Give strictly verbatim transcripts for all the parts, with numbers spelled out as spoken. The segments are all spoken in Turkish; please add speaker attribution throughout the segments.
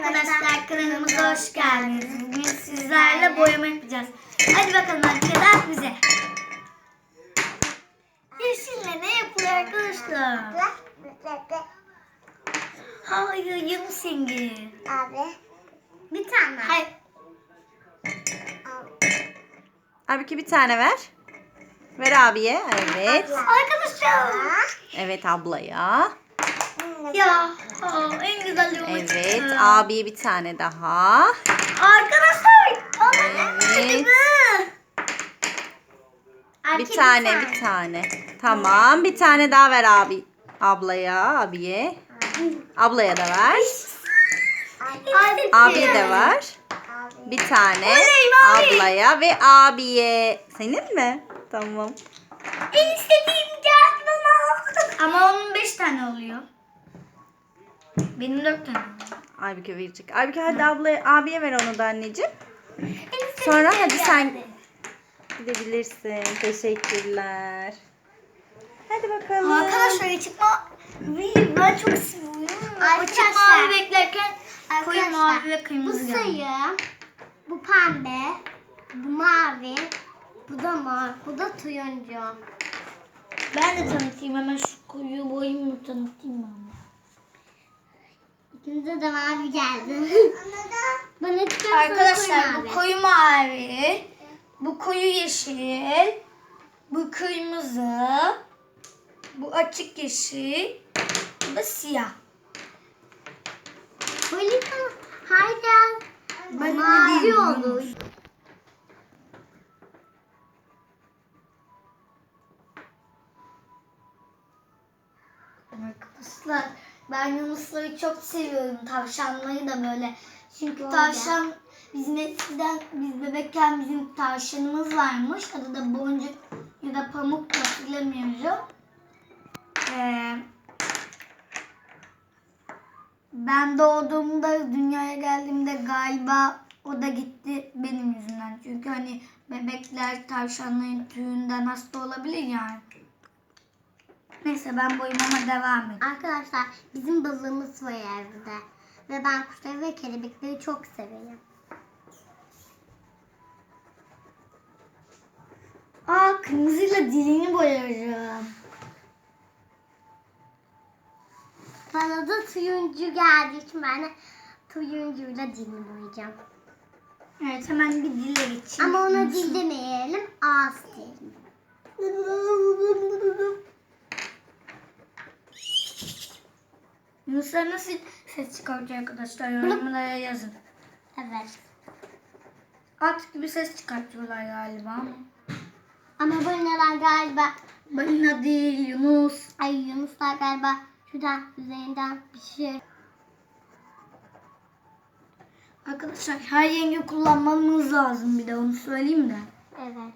Speaker 1: arkadaşlar, kanalımıza hoş geldiniz. Bugün sizlerle boyama yapacağız. Hadi bakalım arkadaşlar bize. Yeşille ne yapılıyor arkadaşlar? Hayır, Yunus Engin.
Speaker 2: Abi. Bir tane.
Speaker 1: Hayır.
Speaker 3: Abi bir tane ver. Ver abiye. Evet.
Speaker 1: Arkadaşlar.
Speaker 3: Evet ablaya.
Speaker 1: Ya aa, en güzel yolu
Speaker 3: Evet.
Speaker 1: çıktı.
Speaker 3: Abiye bir tane daha.
Speaker 1: Arkadaşlar. Bana
Speaker 3: Evet.
Speaker 2: Abi,
Speaker 3: Bir tane bir tane. Tamam. Bir tane daha ver abi. Ablaya, abiye. Ablaya da ver. Abiye de ver. Bir tane
Speaker 1: Oley,
Speaker 3: ablaya ve abiye. Senin mi? Tamam.
Speaker 1: En istediğim geldi bana. Ama onun beş tane oluyor. Benim dört tane.
Speaker 3: Aybüke verecek. Aybüke hadi ablaya, abiye ver onu da anneciğim.
Speaker 1: En istediğim
Speaker 3: Sonra hadi
Speaker 1: geldi.
Speaker 3: sen gidebilirsin. Teşekkürler. Hadi bakalım.
Speaker 1: Arkadaşlar çıkma. Ben çok seviyorum.
Speaker 2: Arkadaşlar.
Speaker 1: Açık mavi beklerken koyu
Speaker 2: Arkadaşlar,
Speaker 1: mavi ve
Speaker 2: Bu
Speaker 1: kırmızı geldi.
Speaker 2: sayı, bu pembe, bu mavi, bu da mor, bu da turuncu.
Speaker 1: Ben de tanıtayım hemen şu koyu boyumu tanıtayım ben.
Speaker 2: İkimize de mavi geldi. Bana çıkan
Speaker 1: Arkadaşlar
Speaker 2: mavi.
Speaker 1: bu koyu mavi, bu koyu yeşil, bu kırmızı, bu açık yeşil, bu da siyah.
Speaker 2: Böyle haydi.
Speaker 1: Ben
Speaker 2: Mavi
Speaker 1: ne diyeyim?
Speaker 2: olur.
Speaker 1: Arkadaşlar ben yunusları çok seviyorum. Tavşanları da böyle. Çünkü
Speaker 2: Doğru.
Speaker 1: tavşan bizim eskiden biz bebekken bizim tavşanımız varmış. Adı da Boncuk ya da Pamuk, hatırlamıyorum. Ee, ben doğduğumda dünyaya geldiğimde galiba o da gitti benim yüzümden. Çünkü hani bebekler tavşanların tüyünden hasta olabilir yani. Neyse ben boyamama devam edeyim.
Speaker 2: Arkadaşlar bizim balığımız var evde. Ve ben kuşları ve kelebekleri çok severim.
Speaker 1: Aa, kırmızıyla dilini boyayacağım.
Speaker 2: Bana da turuncu geldiği için ben de turuncuyla dilini boyayacağım.
Speaker 1: Evet, hemen bir dille geçeyim.
Speaker 2: Ama ona dil demeyelim, ağız diyelim.
Speaker 1: Yunuslar nasıl ses çıkartıyor arkadaşlar? Yorumlara yazın.
Speaker 2: Evet.
Speaker 1: At gibi ses çıkartıyorlar galiba.
Speaker 2: Ama bu neler galiba,
Speaker 1: Balina değil, Yunus.
Speaker 2: ay Yunuslar galiba şuradan üzerinden bir şey.
Speaker 1: Arkadaşlar her rengi kullanmamız lazım, bir de onu söyleyeyim de.
Speaker 2: Evet.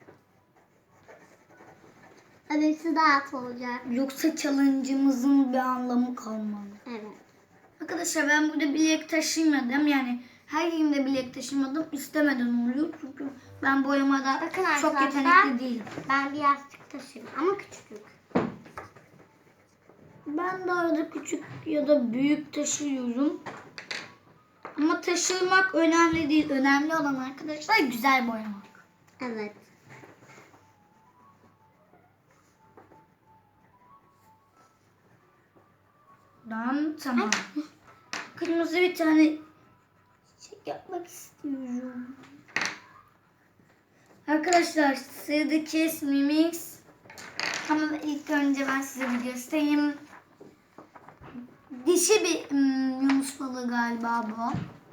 Speaker 2: Hepsi daha at olacak.
Speaker 1: Yoksa challenge'ımızın bir anlamı kalmadı.
Speaker 2: Evet.
Speaker 1: Arkadaşlar ben burada bilek taşımadım. Yani her yerimde bilek taşımadım. İstemeden oluyor. Çünkü ben boyamada
Speaker 2: Bakın
Speaker 1: çok
Speaker 2: arkadaşlar.
Speaker 1: yetenekli değilim.
Speaker 2: Ben bir yastık taşıyorum ama küçücük.
Speaker 1: Ben de arada küçük ya da büyük taşıyorum. Ama taşırmak önemli değil. Önemli olan arkadaşlar güzel boyamak.
Speaker 2: Evet.
Speaker 1: Tamam, tamam. Kırmızı bir tane çiçek yapmak istiyorum. Arkadaşlar sıradaki ismimiz, ama ilk önce ben size bir göstereyim. Dişi bir hmm, yunus balığı galiba bu.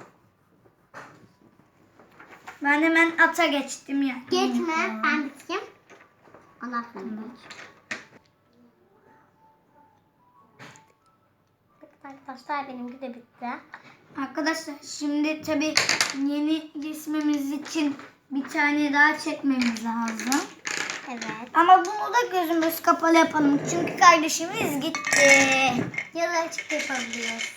Speaker 1: Ben hemen ata geçtim ya.
Speaker 2: Geçme, ben biteyim. Allah seni. Arkadaşlar benimki de bitti.
Speaker 1: Arkadaşlar şimdi tabii yeni resmimiz için bir tane daha çekmemiz lazım.
Speaker 2: Evet.
Speaker 1: Ama bunu da gözümüz kapalı yapalım. Çünkü kardeşimiz gitti.
Speaker 2: Ya da açık yapabiliriz.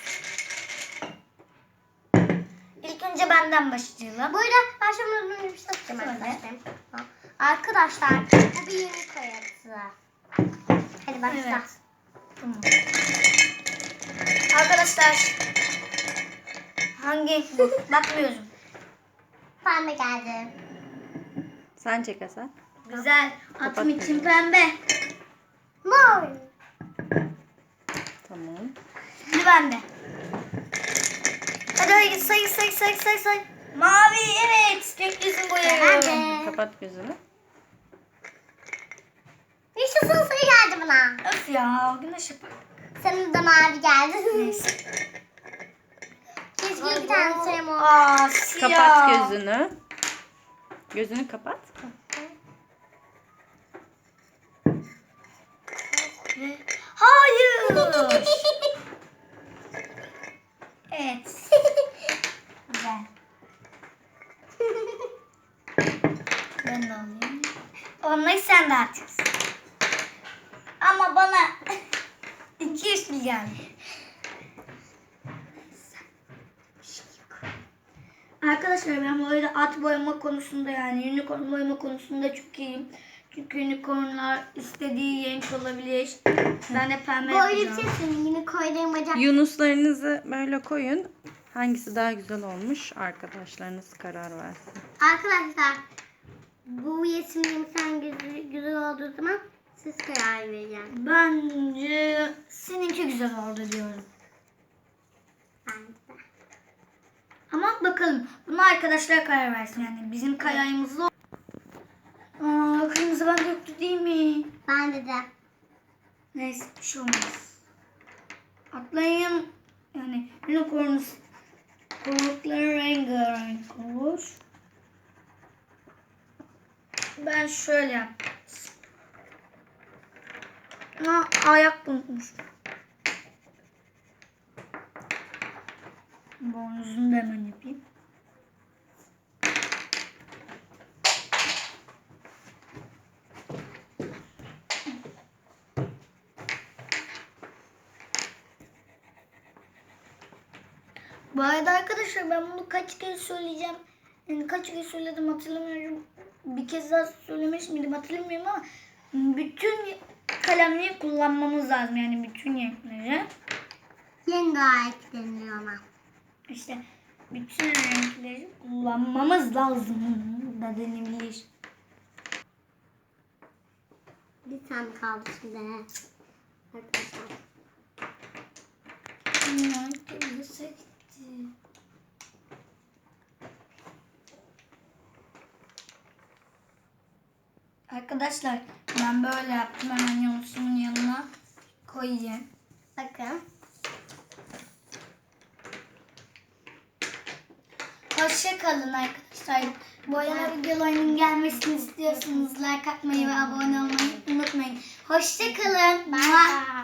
Speaker 1: İlk önce benden başlayalım.
Speaker 2: Burada ben şimdi bir şey yapacağım
Speaker 1: Söyle.
Speaker 2: arkadaşlar. Arkadaşlar bu bir yeni koyarısı. Hadi başla.
Speaker 1: Evet. Tamam. Arkadaşlar Hangi renk bu? Bakmıyorum.
Speaker 2: Pembe geldi.
Speaker 3: Sen çek Hasan.
Speaker 1: Güzel. Atım
Speaker 3: Kapat
Speaker 1: için
Speaker 3: gözünü.
Speaker 1: pembe.
Speaker 2: Mor.
Speaker 3: Tamam.
Speaker 1: Şimdi bende. Hadi hadi say say say say say. Mavi evet. Gökyüzünü boyuyorum.
Speaker 2: Bende.
Speaker 3: Kapat gözünü.
Speaker 2: Yaşasın sayı geldi bana.
Speaker 1: Öf ya güneş yapar.
Speaker 2: Senin de mavi geldi.
Speaker 1: Neyse.
Speaker 2: Keşke iki tane sayım oldu.
Speaker 1: Aa siyah.
Speaker 3: Kapat gözünü. Gözünü kapat.
Speaker 1: Hayır. Evet. Güzel. Ben de alayım. Onları sen de atacaksın. Ama bana iki yüzlü geldi. Arkadaşlar ben bu arada at boyama konusunda yani unicorn boyama konusunda çok iyiyim. Çünkü unicornlar istediği renk olabilir. Ben de pembe
Speaker 2: Böyle bir
Speaker 1: yapacağım.
Speaker 2: şey söyleyeyim. Yine koyduğum bacak.
Speaker 3: Yunuslarınızı böyle koyun. Hangisi daha güzel olmuş arkadaşlarınız karar versin.
Speaker 2: Arkadaşlar bu resimlerim sen güzel, güzel olduğu zaman siz karar verin.
Speaker 1: Bence seninki güzel oldu diyorum.
Speaker 2: Bence de.
Speaker 1: Ama bakalım. Bunu arkadaşlar karar versin yani. Bizim kararımızla. Aa, kırmızı ben döktü değil mi?
Speaker 2: Bence de.
Speaker 1: Neyse bir şey olmaz. Atlayın. Yani unicorn kulakları rengarenk olur. Ben şöyle yaptım. Aa, ayak unutmuşum. Boynuzunu da hemen yapayım. Bu arada arkadaşlar ben bunu kaç kere söyleyeceğim. Yani kaç kere söyledim hatırlamıyorum. Bir kez daha söylemiş miydim hatırlamıyorum ama bütün kalemleri kullanmamız lazım. Yani bütün renkleri.
Speaker 2: Rengarenk deniliyor ona.
Speaker 1: İşte bütün renkleri kullanmamız lazım da denilebilir.
Speaker 2: Bir tane kaldı şimdi. Arkadaşlar.
Speaker 1: Bunlar kırmızı gitti. Arkadaşlar ben böyle yaptım. Hemen Yunus'un yanına koyayım.
Speaker 2: Bakın.
Speaker 1: Hoşça kalın arkadaşlar. Boyama videolarının gelmesini istiyorsanız like atmayı ve abone olmayı unutmayın. Hoşça kalın.
Speaker 2: Bye bye.